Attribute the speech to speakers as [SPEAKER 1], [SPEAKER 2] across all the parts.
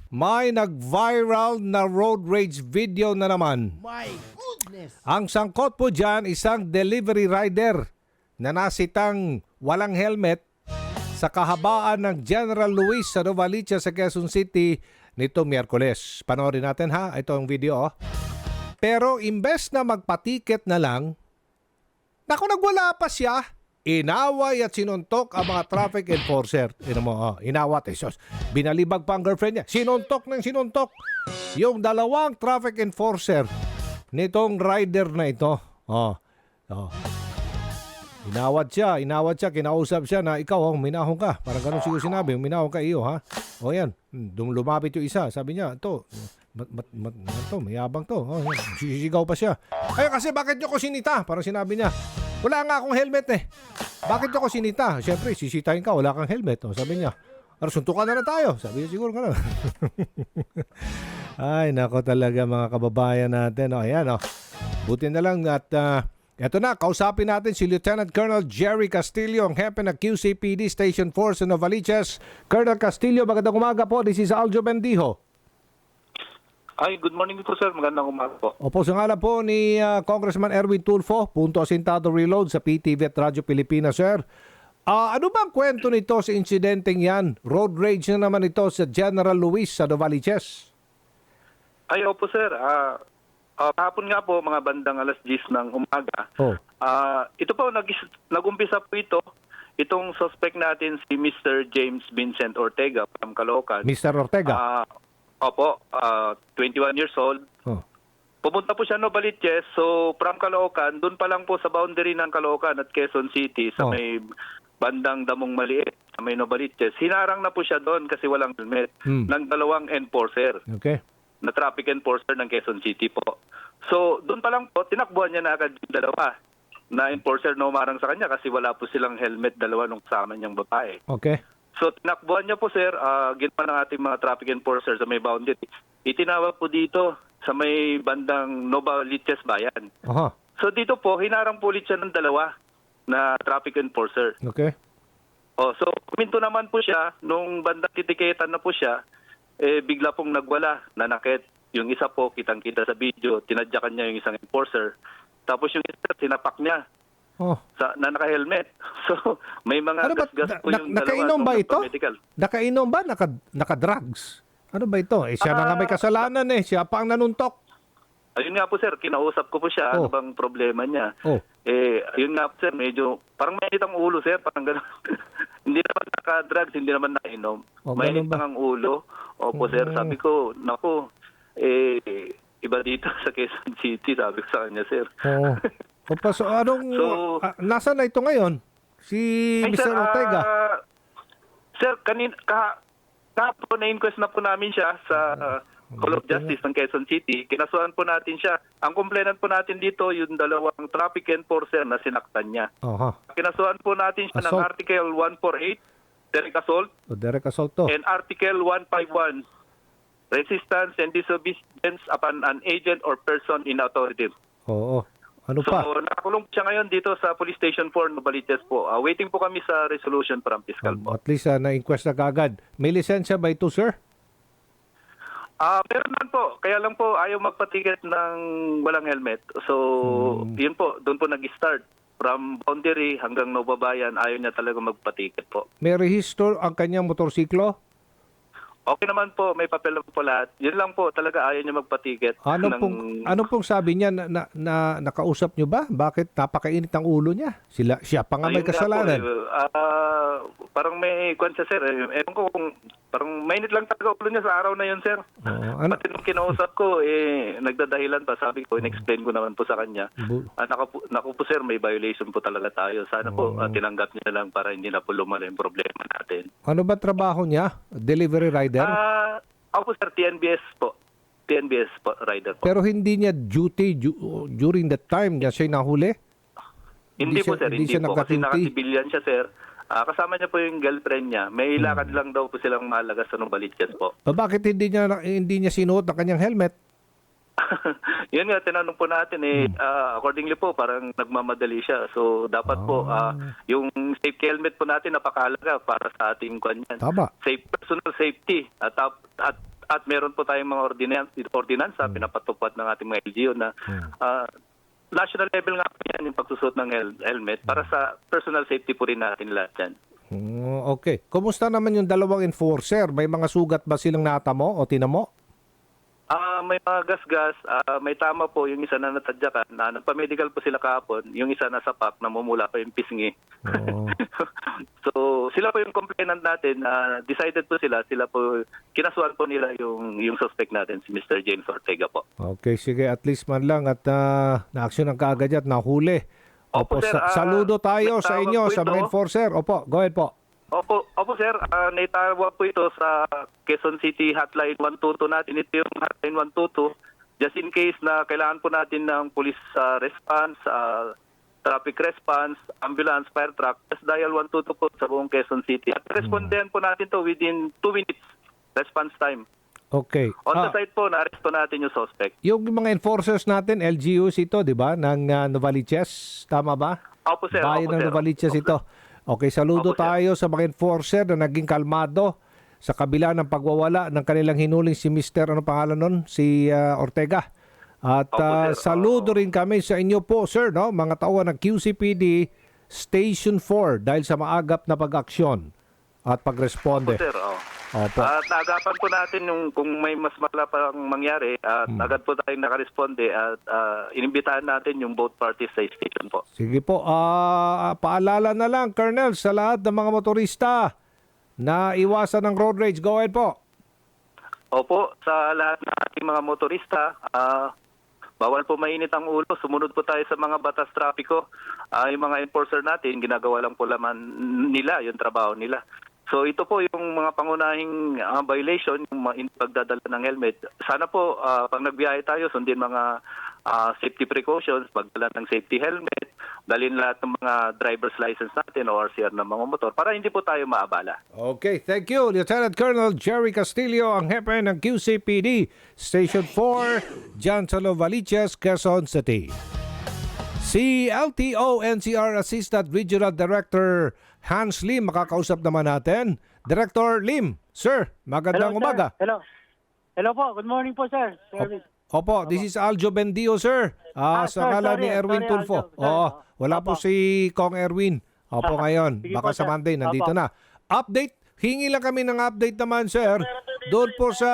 [SPEAKER 1] May nag-viral na road rage video na naman.
[SPEAKER 2] My goodness!
[SPEAKER 1] Ang sangkot po dyan, isang delivery rider na nasitang walang helmet sa kahabaan ng General Luis sa Novaliches sa Quezon City nito Miyerkules. Panoorin natin ha, ito ang video. Pero imbes na magpatiket na lang, naku, nagwala pa siya. Inaway at sinuntok ang mga traffic enforcer. Inawat. Binalibag pa ang girlfriend niya. Sinuntok ng sinuntok yung dalawang traffic enforcer nitong rider na ito. Inawat siya, kinausap siya na ikaw, minahong ka. Parang ganun siguro sinabi, minahong ka iyo, ha? O yan, lumapit yung isa. Sabi niya, mayabang to. Yan. Sisigaw pa siya. Ay, kasi bakit nyo ko sinita? Parang sinabi niya, wala nga akong helmet eh. Bakit nyo ko sinita? Siyempre, sisitahin ka, wala kang helmet. O, sabi niya, suntukan na lang tayo. Sabi niya, siguro ka na. Ay, nako talaga mga kababayan natin. O, ayan, o. Buti na lang at eto na, kausapin natin si Lieutenant Colonel Jerry Castillo, ang hepe ng QCPD Station 4 sa Novaliches. Colonel Castillo, magandang umaga po. This is Aljo Bendijo.
[SPEAKER 3] Ay, good morning po sir. Magandang umaga po.
[SPEAKER 1] Opo, sa ngalan po ni Congressman Erwin Tulfo, Punto Asintado Reload sa PTV at Radyo Pilipinas, sir. Ano bang kwento nito sa insidenteng yan? Road rage na naman ito sa General Luis sa Novaliches.
[SPEAKER 3] Ay, opo sir. Kahapon nga po, mga bandang alas 10 ng umaga. Ito po, nag-umpisa po itong suspect natin si Mr. James Vincent Ortega from Caloocan.
[SPEAKER 1] Mr. Ortega?
[SPEAKER 3] Opo, 21 years old. Pumunta po siya Novaliches, so from Caloocan, doon pa lang po sa boundary ng Caloocan at Quezon City sa may bandang Damong Maliit, sa may Novaliches. Hinarang na po siya doon kasi walang helmet ng dalawang enforcer.
[SPEAKER 1] Okay.
[SPEAKER 3] Na traffic enforcer ng Quezon City po. So, doon pa lang po, tinakbuhan niya na agad yung dalawa na enforcer na umarang sa kanya kasi wala po silang helmet, dalawa nung kasama niyang babae.
[SPEAKER 1] Okay.
[SPEAKER 3] So, tinakbuhan niya po, sir, ginawa ng ating mga traffic enforcer sa may boundary. Itinawag po dito sa may bandang Novaliches Bayan. So, dito po, hinarang po ulit siya ng dalawa na traffic enforcer.
[SPEAKER 1] Okay.
[SPEAKER 3] So, kuminto naman po siya, nung bandang titiketan na po siya, bigla pong nagwala, nanakit. Yung isa po, kitang-kita sa video, tinadyakan niya yung isang enforcer. Tapos yung isa, sinapak niya na naka-helmet. So, may mga gas-gas po yung dalawa.
[SPEAKER 1] Nakainom ba ito? Nakainom ba? Naka-drugs? Ano ba ito? Siya na nga may kasalanan eh. Siya pa ang nanuntok.
[SPEAKER 3] Ayun nga po sir, kinausap ko po siya. Ano bang problema niya? Ayun nga po sir, medyo, parang mainit ang ulo sir. Parang gano'n. Hindi naman naka-drugs, hindi naman nakainom. Mainit lang ang ulo. Opo sir, sabi ko, naku, iba dito sa Quezon City, sabi ko sa kanya sir.
[SPEAKER 1] Opa, so nasaan na ito ngayon? Si Mr. Ortega?
[SPEAKER 3] Sir, kahapon na-inquest na po namin siya sa Hall of Justice ng Quezon City. Kinasuhan po natin siya. Ang complainant po natin dito, yung dalawang traffic enforcer na sinaktan niya. Kinasuhan po natin siya ng Article 148, direct assault.
[SPEAKER 1] Direct assault to.
[SPEAKER 3] And Article 151, resistance and disobedience upon an agent or person in authority.
[SPEAKER 1] Ano pa?
[SPEAKER 3] So, nakakulong siya ngayon dito sa Police Station 4, Novaliches po. Waiting po kami sa resolution from fiscal po.
[SPEAKER 1] At least na-inquest na kagad. May lisensya ba ito, sir?
[SPEAKER 3] Meron naman po. Kaya lang po ayaw magpatiket ng walang helmet. So, yun po. Doon po nag-start. From boundary hanggang Novabayan, ayaw niya talaga magpatiket po.
[SPEAKER 1] May rehisto ang kanyang motorsiklo?
[SPEAKER 3] Okay naman po, may papel po lahat. Yun lang po, talaga ayaw niya magpatiket.
[SPEAKER 1] Ano pong sabi niya na nakausap niyo ba? Bakit napakainit ang ulo niya? Siya pa nga may kasalanan.
[SPEAKER 3] Parang may kwansa sir. Ewan ko kung parang mainit lang talaga ulo niya sa araw na yun sir. Pati nung kinausap ko, nagdadahilan pa. Sabi ko, in-explain ko naman po sa kanya. Naku po sir, may violation po talaga tayo. Sana po tinanggap niya lang para hindi na po lumala yung problema natin.
[SPEAKER 1] Ano ba trabaho niya? Delivery rider?
[SPEAKER 3] Ako po sir, TNBS po. TNBS po, rider po.
[SPEAKER 1] Pero hindi niya duty during that time niya siya nahuli?
[SPEAKER 3] Hindi po sir, hindi po. Kasi nakasibilyan siya sir. Kasama niya po yung girlfriend niya. May lakad lang daw po silang malagas sa Novaliches po.
[SPEAKER 1] Bakit hindi niya sinuot ang kanyang helmet?
[SPEAKER 3] Yun nga, tinanong po natin accordingly po, parang nagmamadali siya. So, dapat po, yung safety helmet po natin napakahalaga para sa ating kanyan.
[SPEAKER 1] Tama.
[SPEAKER 3] Personal safety. At at meron po tayong mga ordinansa pinapatupad ng ating mga LGU na national level nga po yan yung pagsusot ng helmet para sa personal safety po rin natin lahat yan.
[SPEAKER 1] Okay. Kumusta naman yung dalawang enforcer? May mga sugat ba silang natamo o tinamo?
[SPEAKER 3] May mga gas-gas, may tama po yung isa na natadyakan, na nagpa-medical po sila kahapon, yung isa nasa PAC, namumula pa yung pisngi.
[SPEAKER 1] Oo.
[SPEAKER 3] So, sila po yung complainant natin, decided po sila po, kinasuhan po nila yung suspect natin, si Mr. James Ortega po.
[SPEAKER 1] Okay, sige. At least man lang at na-action ang kaagad at nahuli.
[SPEAKER 3] Opo, sir,
[SPEAKER 1] saludo tayo
[SPEAKER 3] may
[SPEAKER 1] sa
[SPEAKER 3] tawag
[SPEAKER 1] inyo,
[SPEAKER 3] po
[SPEAKER 1] sa
[SPEAKER 3] ito.
[SPEAKER 1] mga enforcer. Opo, go ahead po.
[SPEAKER 3] Opo sir, naitawag po ito sa Quezon City Hotline 122 natin. Ito yung Hotline 122. Just in case na kailangan po natin ng police response, traffic response, ambulance, fire truck, just dial 122 po sa buong Quezon City. At respondan po natin to within 2 minutes response time.
[SPEAKER 1] Okay.
[SPEAKER 3] On the site po, na-arresto natin yung suspect.
[SPEAKER 1] Yung mga enforcers natin, LGUs ito, di ba? Ng Novaliches, tama ba?
[SPEAKER 3] Opo sir.
[SPEAKER 1] Bayan ng Novaliches ito. Okay, saludo
[SPEAKER 3] Opo, sir.
[SPEAKER 1] tayo sa mga enforcer na naging kalmado sa kabila ng pagwawala ng kanilang hinuling si Mr. Ano pangalan nun? Si Ortega. At
[SPEAKER 3] Opo, sir.
[SPEAKER 1] saludo rin kami sa inyo po, sir, no? Mga tauhan ng QCPD Station 4 dahil sa maagap na pag-aksyon at pagresponde.
[SPEAKER 3] Opo sir.
[SPEAKER 1] Opo.
[SPEAKER 3] At naagapan po natin yung kung may mas malala pang mangyari at agad po tayong nakaresponde at inimbitahan natin yung both parties sa station po.
[SPEAKER 1] Sige po, paalala na lang, Colonel, sa lahat ng mga motorista na iwasan ng road rage. Go ahead po.
[SPEAKER 3] Opo, sa lahat ng ating mga motorista, bawal po mainit ang ulo. Sumunod po tayo sa mga batas trapiko. Yung mga enforcer natin, ginagawa lang po laman nila, yung trabaho nila. So ito po yung mga pangunahing violation, yung pagdadala ng helmet. Sana po pag nagbiyahe tayo, sundin mga safety precautions, pagdala ng safety helmet, dalhin lahat ng mga driver's license natin o RCR ng mga motor para hindi po tayo maabala.
[SPEAKER 1] Okay, thank you, Lieutenant Colonel Jerry Castillo, ang hepe ng QCPD Station 4, dyan sa Novaliches, Quezon City. Si LTO NCR Assistant Regional Director Hans Lim, makakausap naman natin. Director Lim, sir, magandang umaga.
[SPEAKER 2] Hello. Hello po. Good morning po, sir. Service.
[SPEAKER 1] Opo, this is Aljo Bendio, sir. Sa
[SPEAKER 2] sir,
[SPEAKER 1] ngalan ni Erwin
[SPEAKER 2] sorry,
[SPEAKER 1] Tulfo.
[SPEAKER 2] Aljo, sir.
[SPEAKER 1] Oo, wala po
[SPEAKER 2] Opo.
[SPEAKER 1] si Kong Erwin. Opo, ngayon.
[SPEAKER 2] Sige
[SPEAKER 1] Baka
[SPEAKER 2] po,
[SPEAKER 1] sa
[SPEAKER 2] sir.
[SPEAKER 1] Monday, nandito
[SPEAKER 2] Opo.
[SPEAKER 1] na. Update, hingi lang kami ng update naman, sir. Doon po sa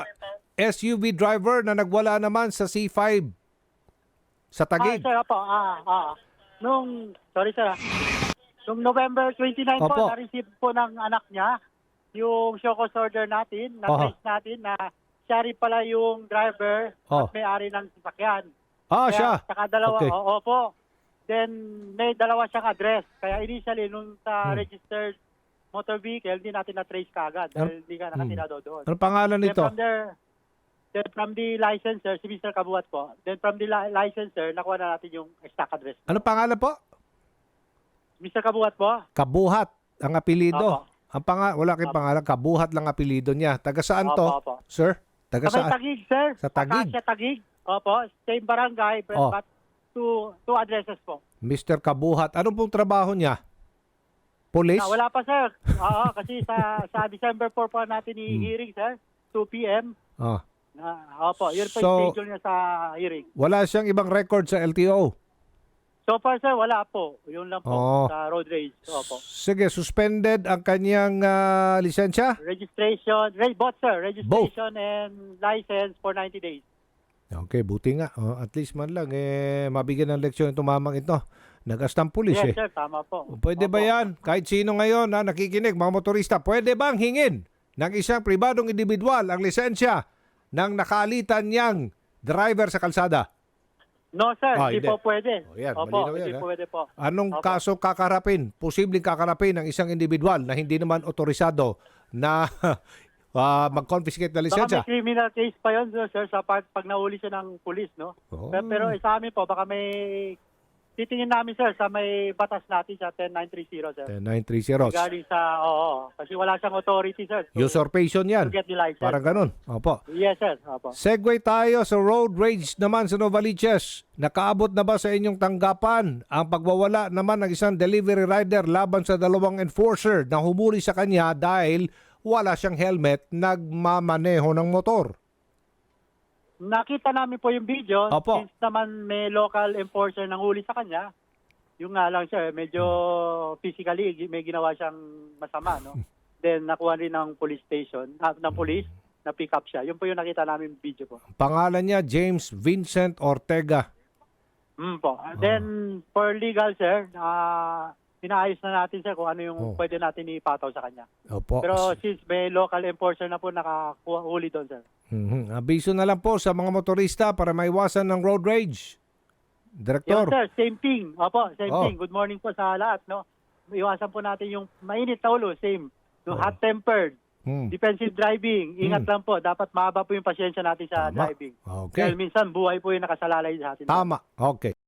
[SPEAKER 1] SUV driver na nagwala naman sa C5 sa Taguig.
[SPEAKER 2] Sir, opo. Sorry, sir. Nung November 29
[SPEAKER 1] Opo.
[SPEAKER 2] po, na-receive po ng anak niya yung show cause order natin, na-trace natin na siya rin pala yung driver at may-ari ng sasakyan.
[SPEAKER 1] Siya.
[SPEAKER 2] Saka dalawa,
[SPEAKER 1] Okay.
[SPEAKER 2] opo. Then, may dalawa siyang address. Kaya initially, nung sa registered motor vehicle, hindi natin na-trace kaagad dahil hindi ka nakatinado doon.
[SPEAKER 1] Ano pangalan nito?
[SPEAKER 2] Then from the licensor, si Mr. Kabuhat po. Then from the licensor, nakuha na natin yung exact address.
[SPEAKER 1] Ano pangalan po?
[SPEAKER 2] Mr. Kabuhat po?
[SPEAKER 1] Kabuhat ang apelido.
[SPEAKER 2] Opo.
[SPEAKER 1] Wala kayong pangalan, Kabuhat lang apelido niya. Taga saan to,
[SPEAKER 2] Opo.
[SPEAKER 1] sir? Taga
[SPEAKER 2] Sa may
[SPEAKER 1] saan?
[SPEAKER 2] Taguig, sir.
[SPEAKER 1] Sa Taguig?
[SPEAKER 2] Acacia Taguig. Opo. Same barangay, but two addresses po.
[SPEAKER 1] Mr. Kabuhat. Ano pong trabaho niya? Police?
[SPEAKER 2] Wala pa, sir. Oo, kasi sa December 4 po natin i-hearing, sir. 2 p.m. Opo, yun po yung schedule niya sa hearing.
[SPEAKER 1] Wala siyang ibang record sa LTO?
[SPEAKER 2] So far, sir, wala po. Yun lang po sa road rage. Opo.
[SPEAKER 1] Sige, suspended ang kanyang lisensya?
[SPEAKER 2] Registration, both, sir. Registration and license for 90 days.
[SPEAKER 1] Okay, buti nga. At least man lang, mabigyan ng leksyon itong mamang ito. Nag-astang pulis
[SPEAKER 2] Yes, sir, tama po.
[SPEAKER 1] Pwede ba yan? Kahit sino ngayon na nakikinig, mga motorista, pwede bang hingin ng isang pribadong individual ang lisensya ng nakalitan niyang driver sa kalsada?
[SPEAKER 2] No, sir. Hindi po pwede.
[SPEAKER 1] Yan,
[SPEAKER 2] Opo,
[SPEAKER 1] malinaw yan,
[SPEAKER 2] hindi pwede po.
[SPEAKER 1] Anong kaso kakarapin? Posibleng kakarapin ng isang individual na hindi naman otorisado na mag-confiscate na
[SPEAKER 2] Baka
[SPEAKER 1] lisensya?
[SPEAKER 2] may criminal case pa yun, sir, sa pag nahuli siya ng pulis, no? Pero sa amin po, baka may titingin namin, sir, sa may batas natin sa 10930, sir.
[SPEAKER 1] 10930.
[SPEAKER 2] Regarding sa, kasi wala siyang authority, sir.
[SPEAKER 1] Usurpation yan.
[SPEAKER 2] To get the license.
[SPEAKER 1] Parang ganun. Opo.
[SPEAKER 2] Yes, sir. Opo.
[SPEAKER 1] Segue tayo sa road rage naman sa Novaliches. Nakaabot na ba sa inyong tanggapan ang pagwawala naman ng isang delivery rider laban sa dalawang enforcer na humuli sa kanya dahil wala siyang helmet, nagmamaneho ng motor.
[SPEAKER 2] Nakita namin po yung video.
[SPEAKER 1] Opo.
[SPEAKER 2] Since naman may local enforcer nang huli sa kanya, yung nga lang siya, medyo physically may ginawa siyang masama, no? Then nakuha rin ng police station, ng police, na pick up siya. Yun po yung nakita namin video po.
[SPEAKER 1] Pangalan niya, James Vincent Ortega.
[SPEAKER 2] Po. Then for legal, sir, inaayos na natin, sir, kung ano yung pwede natin ipataw sa kanya.
[SPEAKER 1] Opo.
[SPEAKER 2] Pero since may local enforcer na po nakakuha huli doon, sir.
[SPEAKER 1] Abiso na lang po sa mga motorista para maiwasan ng road rage.
[SPEAKER 2] Yes,
[SPEAKER 1] Director.
[SPEAKER 2] sir. Same thing. Opo, same thing. Good morning po sa lahat, no? Iwasan po natin yung mainit na ulo, same. Yung hot-tempered, defensive driving. Ingat lang po. Dapat mahaba po yung pasyensya natin sa
[SPEAKER 1] Tama.
[SPEAKER 2] driving.
[SPEAKER 1] Okay.
[SPEAKER 2] Dahil minsan buhay po yung nakasalalay sa atin.
[SPEAKER 1] Tama. Okay.